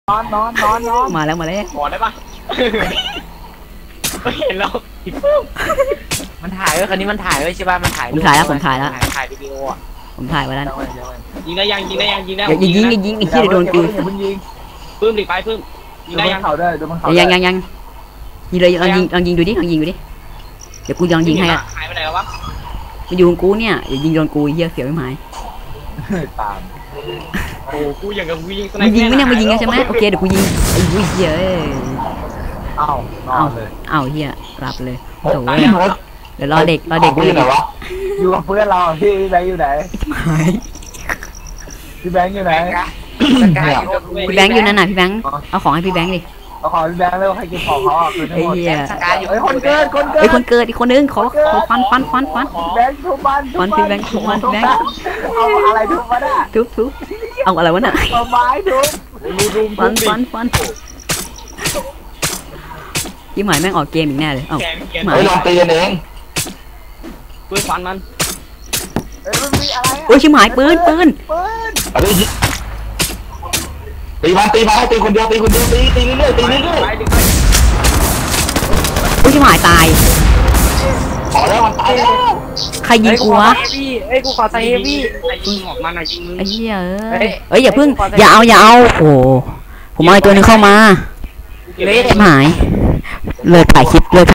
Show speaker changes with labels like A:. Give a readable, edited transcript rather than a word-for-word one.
A: มาแล้ว
B: ขอได้ปะไม่เห็นเราอีกปุ๊บมันถ่ายไว้คันนี้มันถ่ายไว้ใช่ป่ะมันถ่าย
A: ผมถ่ายแล้ว
B: ถ่ายวิดีโออ่ะ
A: ผมถ่ายไว้แล้ว
B: ยิงได้ยังได้
A: ยิงไอ้ที่โดนกู
B: ปื้มดิไปปื้มยิงได้ยัง
A: ยังยิงเลยลองยิงดูดิเดี๋ยวกูลองยิงให้อ่ะ
B: หายไปไหนแล้ววะ
A: มันอยู่กับกูเนี่ยอย่ายิงโดนกูเหี้ยเสียวไม่หมาย
C: ตาม
B: โอ้กูอย่างกับกูยิง
A: มึงยิงไหมเนี่ยมึงยิงใช่ไหมโอเคเดี๋ยวกูยิงไอ้เหี้ยเอาเหี้ยรับเลยโถ่เดี๋ยวรอเด็ก
C: อยู่ไหนวะอยู่กับเพื่อนเราพี่แบงค์อยู่ไหนพี่แบงค์อยู่ไหน
A: พี่แบงค์อยู่นั่นน่ะพี่แบงค์เอาของให้พี่แบงค์ดิ
C: เอาของพี่แบงค์แล้วให้กินของเขาคือทั้งหมดคนเกิ
A: ดอีกคนนึงขอฟัน
C: แบงค์ทุบบ้าน
A: พี่แบงค์ทุบมันพี่แบงค์
C: เอาอะไรทุบมาได้
A: ทุบเอาอะไรวะน่ะ
C: เอาไม้ทุบ
A: ฟันยี่หมายแม่งออกเกมอีกแน่เลยเอ้า
C: หมายลองตีกันเอง
B: ปืนฟันมัน
C: มันมีอะไร
A: โอ้ยชิบหายปืน
C: ตีมาให้ตีคนเดียวตีเรื่อย
A: โอ้ยชิบหายตาย
C: ขอแล้วมันตายแล้ว
A: ใครยิงกูวะ
B: กูขอใส่เฮฟวี่ยิงออกมาหน่อยยิงมึง
A: ไอ้เหี้ยเอ้ยอย่าพึ่งอย่าเอาโอ้ผมเอาตัวนึงเข้ามาหายเลยถ่ายคลิปเลย